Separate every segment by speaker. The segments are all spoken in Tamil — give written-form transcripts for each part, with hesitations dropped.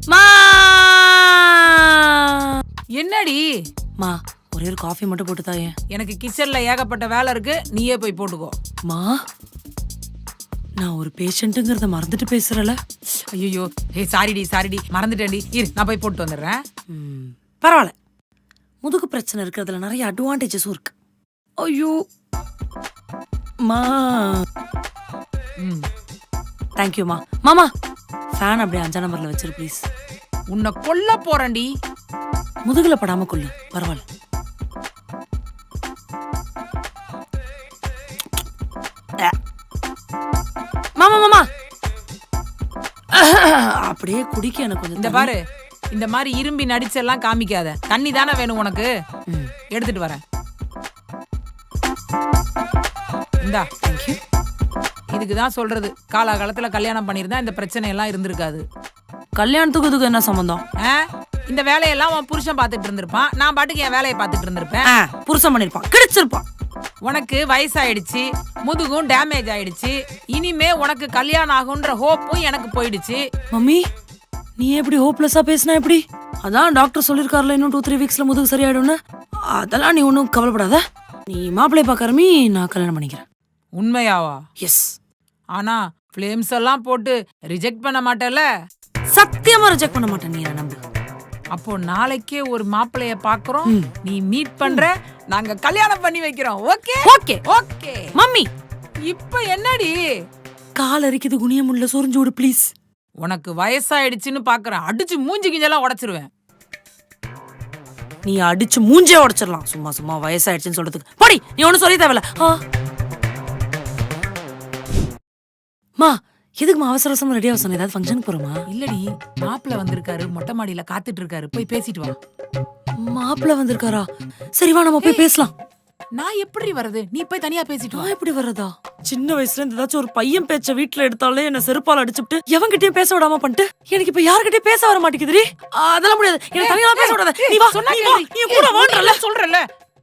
Speaker 1: மா
Speaker 2: என்னடி
Speaker 1: மா ஒரே ஒரு காஃபி மட்டும் போட்டு தாயே.
Speaker 2: எனக்கு கிச்சன்ல ஏகப்பட்ட வேலை இருக்கு, நீயே போய் போட்டுக்கோ.
Speaker 1: மா நான் ஒரு பேஷண்ட்டுங்கிறத மறந்துட்டு பேசுறல.
Speaker 2: ஐயோ சாரிடி மறந்துட்டேன்டி. இரு நான் போய் போட்டு வந்துடுறேன்.
Speaker 1: பரவாயில்ல, முதுகு பிரச்சனை இருக்கிறதுல நிறைய அட்வான்டேஜஸும் இருக்கு. ஐயோ மா தேங்க்யூ மா. மாமா ஃபேன் அப்படியே 5 நம்பர்ல வச்சிரு ப்ளீஸ்.
Speaker 2: உன்னை கொல்ல போறேன்டி.
Speaker 1: முதுகுல படாம கொள்ளு, பரவாயில்ல. மாமா மாமா அப்படியே குடிக்க எனக்கு கொஞ்சம்
Speaker 2: இந்த பாரு, இந்த மாதிரி இரும்பி நடிச்செல்லாம் காமிக்காத. தண்ணி தானே வேணும் உனக்கு, எடுத்துட்டு வரேன். இந்தா.
Speaker 1: தேங்க்யூ.
Speaker 2: இதுக்கு தான் சொல்றது, காலகாலத்துல கல்யாணம் பண்ணியிருந்தா இந்த பிரச்சனை எல்லாம் இருந்திருக்காது.
Speaker 1: கல்யாணத்துக்கு இதுக்கு என்ன சம்பந்தம்?
Speaker 2: இந்த வேலையெல்லாம் உன் புருஷன் பார்த்துட்டு இருந்திருப்பான், நான் பாட்டுக்கு என் வேலையை பார்த்துட்டு இருந்திருப்பேன்.
Speaker 1: புருஷன் பண்ணிருப்பான், கிடைச்சிருப்பான்.
Speaker 2: உனக்கு வயசாயிடுச்சு, முதுகும் டேமேஜ் ஆயிடுச்சு. இனிமே உனக்கு கல்யாணம் ஆகுன்ற ஹோப்பும் எனக்கு போயிடுச்சு.
Speaker 1: மம்மி நீ எப்படி ஹோப்லெஸ்ஸா பேசினா எப்படி? அதான் டாக்டர் சொல்லிருக்காருல இன்னும் 2-3 வீக்ஸ்ல முதுகு சரியாயிடும்னு. அதெல்லாம் நீ ஒன்றும் கவலைப்படாத. நீ மாப்பிள்ளைய பார்க்கறமி, நான் கல்யாணம் பண்ணிக்கிறேன்.
Speaker 2: உண்மையாவா?
Speaker 1: எஸ்.
Speaker 2: ஆனா ஃபிளேம்ஸ் எல்லாம் போட்டு ரிஜெக்ட் பண்ண மாட்டேல?
Speaker 1: சத்தியமா ரிஜெக்ட் பண்ண மாட்டேன், நீ நம்பு.
Speaker 2: அப்போ நாளைக்கே ஒரு மாப்பிள்ளைய பாக்குறோம், நீ மீட் பண்ற, நாங்க கல்யாணம் பண்ணி வைக்கிறோம். Okay
Speaker 1: okay
Speaker 2: okay.
Speaker 1: மம்மி
Speaker 2: இப்ப என்னடி?
Speaker 1: கால் அரிக்குது, குனியமுள்ள சொரிஞ்சு விடு ப்ளீஸ்.
Speaker 2: உனக்கு வயசாயிடுச்சுன்னு பாக்குறேன், அடிச்சு மூஞ்சி கிஞ்செல்லாம் உடைச்சிருவேன்.
Speaker 1: நீ அடிச்சு மூஞ்சே உடைச்சிடலாம், சும்மா சும்மா வயசாயிடுச்சுன்னு சொல்றதுக்கு. போடி, நீ ஒன்னும் சொல்லி தேவையில்ல. மா எதுக்குமா அவசர அவசரமா ரெடி ஆக சொன்ன? ஏதாவது ஃபங்க்ஷனுக்கு போறோமா?
Speaker 2: இல்லடி, மாப்பிள்ள வந்திருக்காரு, மொட்டை மாடியில காத்துட்டு இருக்காரு, போய் பேசிட்டு வா.
Speaker 1: மாப்பிள்ள வந்திருக்காரா? சரி வா, நம்ம போய் பேசலாம்.
Speaker 2: நான் எப்படி வர்றது? நீ போய் தனியா பேசிட்டு வா.
Speaker 1: நான் எப்படி வர்றதா? சின்ன வயசுல இருந்து ஏதாச்சும் ஒரு பையன் பேச்ச வீட்டுல எடுத்தாலே என்ன செருப்பால அடிச்சுட்டு எவன்கிட்டயும் பேச விடாம பண்ணிட்டு எனக்கு இப்ப யாருக்கிட்டயும் பேச வர மாட்டேங்குதுடி. அதெல்லாம் முடியாது, எனக்கு தனியா பேச விடாத. நீ வா,
Speaker 2: சொன்னா
Speaker 1: நீ வா, நீ கூட வான்றல
Speaker 2: சொல்றல.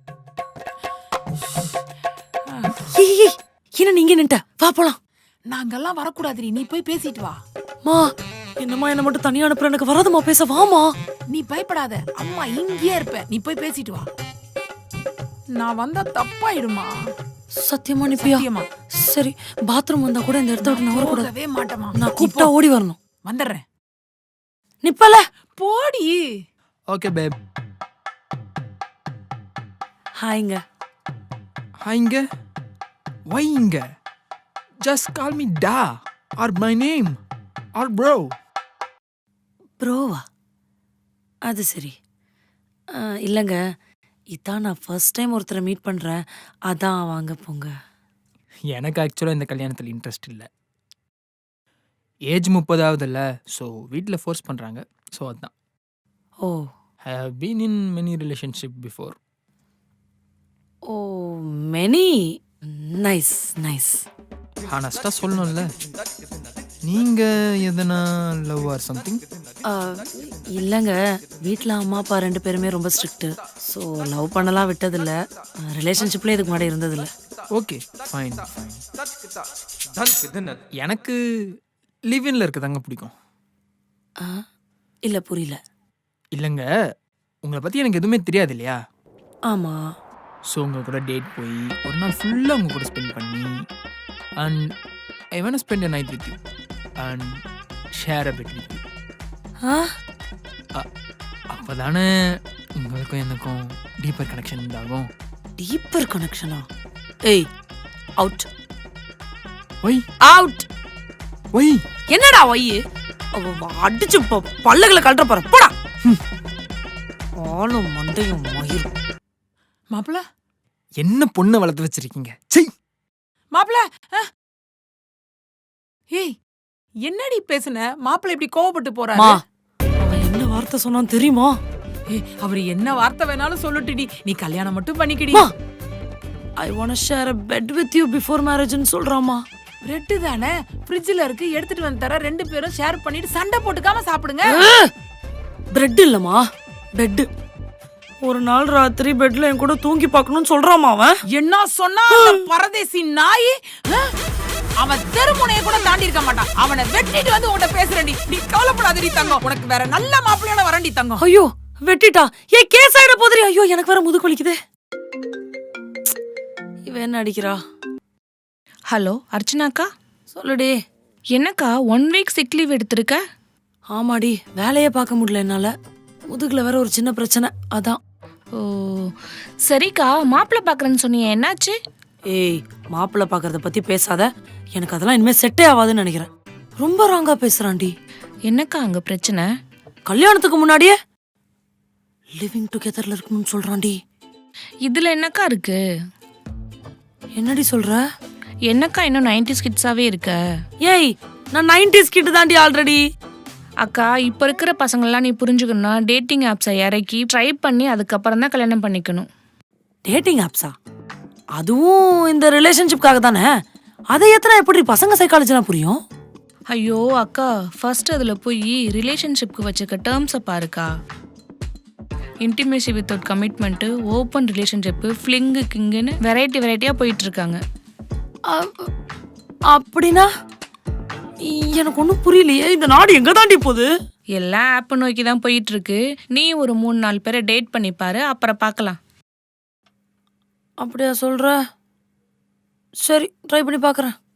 Speaker 1: என்ன நீங்க நின்ட்ட? வா போலாம்.
Speaker 2: நாங்கெல்லாம் வரக்கூடாதுடி, நீ போய் பேசிட்டு வா.
Speaker 1: மா என்னம்மா என்ன மட்டும் தனியா அனுப்புற? எனக்கு வராதுமா பேச. வாமா.
Speaker 2: நீ பயப்படாத, அம்மா இங்கேயே இருப்ப, நீ போய் பேசிட்டு வா. நான் வந்தா தப்பாயிடுமா?
Speaker 1: சத்தியமா நிப்பியா?
Speaker 2: சத்தியமா.
Speaker 1: சரி, பாத்ரூம் வந்தா கூட இந்த இடத்த விட்டு நான் வரக்கூடாது.
Speaker 2: போகவே மாட்டேமா.
Speaker 1: நான் கூப்பிட்டா ஓடி வரணும்.
Speaker 2: வந்துடுறேன்.
Speaker 1: நிப்பல.
Speaker 2: போடி.
Speaker 3: Okay babe.
Speaker 1: ஹாய்ங்க.
Speaker 3: ஹாய்ங்க. வைங்க. Just call me Da or my name or bro.
Speaker 1: ப்ரோவா? அது சரி. இல்லைங்க, இதான் நான் ஃபர்ஸ்ட் டைம் ஒருத்தரை மீட் பண்ணுறேன், அதான் வாங்க போங்க.
Speaker 3: எனக்கு ஆக்சுவலாக இந்த கல்யாணத்தில் இன்ட்ரெஸ்ட் இல்லை. ஏஜ் 30 இல்லை, ஸோ வீட்டில் ஃபோர்ஸ் பண்ணுறாங்க, ஸோ அதுதான்.
Speaker 1: Oh.
Speaker 3: I have been in many relationship before.
Speaker 1: Oh, many. Nice nice.
Speaker 3: ஹானஸ்டாக சொல்லணும்ல, நீங்கள் எதனா லவ் ஆர் சம்திங்?
Speaker 1: இல்லைங்க, வீட்டில் அம்மா அப்பா 2 பேருமே ரொம்ப ஸ்ட்ரிக்ட்டு, ஸோ லவ் பண்ணலாம் விட்டதில்லை. ரிலேஷன்ஷிப்லேயே இதுக்கு முன்னாடி இருந்ததில்லை.
Speaker 3: Okay fine. எனக்கு லிவ்-இன்ல இருக்கதாங்க பிடிக்கும்.
Speaker 1: இல்லை புரியல.
Speaker 3: இல்லைங்க, உங்களை பற்றி எனக்கு எதுவுமே தெரியாது இல்லையா?
Speaker 1: ஆமாம்.
Speaker 3: ஸோ உங்கள் கூட டேட் போய் ஒரு நாள் ஃபுல்லாக உங்கள் கூட ஸ்பெண்ட் பண்ணி and I want spend a night with you and share a bit with you. அப்போ தானே உங்களுக்கும் எனக்கும் டீப்பர் கனெக்ஷன் உண்டாகும்.
Speaker 1: டீப்பர் கனெக்ஷனா? ஏய், அவுட்.
Speaker 3: Why
Speaker 1: out.
Speaker 3: ஒய்
Speaker 1: என்னடா ஒய்? அடிச்சு பல்லுகளை கழட்ட போறேன், போடா. ஆளும் மண்டையும் மயிரும்.
Speaker 2: மாப்பிள்ள
Speaker 3: என்ன பொண்ணை வளர்த்து வச்சிருக்கீங்க? சை
Speaker 2: மாப்பிள்ள. ஏய் என்னடி பேசுன? மாப்பிள்ள இப்படி கோவப்பட்டு போறாரு.
Speaker 1: அவன் என்ன வார்த்தை சொன்னான் தெரியுமா?
Speaker 2: ஏய் அவர் என்ன வார்த்தை வேணாலும் சொல்லட்டுடி, நீ கல்யாணம் மட்டும் பண்ணிக்கிடி.
Speaker 1: I want to share a bed with you before marriage ன்னு சொல்றாமா.
Speaker 2: பிரெட் தானே ஃப்ரிட்ஜ்ல இருக்கு, எடுத்துட்டு வந்து தர, 2 பேரும் ஷேர் பண்ணிட்டு சண்டை போட்டுக்காம சாப்பிடுங்க.
Speaker 1: பிரெட் இல்லம்மா, பெட். ஒரு நாள் ராத்திரி பெட்ல என் கூட தூங்கி பார்க்கணும்னு சொல்றாமா அவன்.
Speaker 2: என்ன சொன்னா பரதேசி நாய்? அவன் தெருமுனையை கூட தாண்டி இருக்க மாட்டான். அவனை வெட்டிட்டு வந்து உன்கிட்ட பேசுறேன்டி. நீ கவலைப்படாதடி தங்கம், உனக்கு வேற நல்ல மாப்பிள்ளையோட வரண்டி தங்கம்.
Speaker 1: ஐயோ வெட்டிட்டா, ஏன் கேஸ் ஆயிட போதுரி. ஐயோ எனக்கு வேற முதுகு வலிக்குது. இவ என்ன அடிக்கிறா?
Speaker 4: ஹலோ அர்ச்சனாக்கா,
Speaker 1: சொல்லுடி.
Speaker 4: என்னக்கா 1 வீக் சிக் லீவ் எடுத்திருக்க?
Speaker 1: ஆமாடி, வேலையே பார்க்க முடியல என்னால. முதுகுல வேற ஒரு சின்ன பிரச்சனை, அதான்.
Speaker 4: ஓ சரிக்கா, மாப்பிள்ளை பார்க்குறேன்னு சொன்னீங்க, என்னாச்சு?
Speaker 1: ஏய், மாப்பிள்ளை பார்க்கறத பத்தி பேசாத. எனக்கு அதெல்லாம் இனிமே செட்டே ஆகாதுன்னு நினைக்கிறேன். ரொம்ப ராங்கா பேசுறான்டி.
Speaker 4: என்னக்கா அங்கே பிரச்சனை?
Speaker 1: கல்யாணத்துக்கு முன்னாடியே லிவிங் டுகெதர்ல இருக்கணும்னு சொல்றான்டி.
Speaker 4: இதில் என்னக்கா இருக்கு?
Speaker 1: என்னடி சொல்ற?
Speaker 4: என்னக்கா இன்னும் 90s கிட்ஸாவே இருக்க?
Speaker 1: ஏய், நான் 90s கிட் தாண்டி ஆல்ரெடி.
Speaker 4: அக்கா, இப்போ இருக்கிற பசங்கள்லாம் நீ புரிஞ்சுக்கணும்னா டேட்டிங் ஆப்ஸை இறக்கி ட்ரை பண்ணி அதுக்கப்புறம் தான் கல்யாணம் பண்ணிக்கணும்.
Speaker 1: டேட்டிங் ஆப்ஸா? அதுவும் இந்த ரிலேஷன்ஷிப்காக தானே. அதை எத்தனை எப்படி பசங்க சைக்காலஜினா புரியும்?
Speaker 4: ஐயோ அக்கா, ஃபர்ஸ்ட் அதில் போய் ரிலேஷன்ஷிப்க்கு வச்சுக்க டேர்ம்ஸை பாருக்கா. Intimacy without commitment, open relationship, fling, கிங்குன்னு வெரைட்டியாக போயிட்டுருக்காங்க.
Speaker 1: அப்படின்னா எனக்கு ஒன்றும் புரியலையே. இந்த நாடு எங்க தாண்டி போகுது?
Speaker 4: எல்லாம் ஆப்பை நோக்கி தான் போயிட்டுருக்கு. நீ ஒரு 3-4 பேரை டேட் பண்ணி பாரு, அப்புறம் பார்க்கலாம்.
Speaker 1: அப்படியா சொல்ற? சரி, ட்ரை பண்ணி பார்க்குறேன்.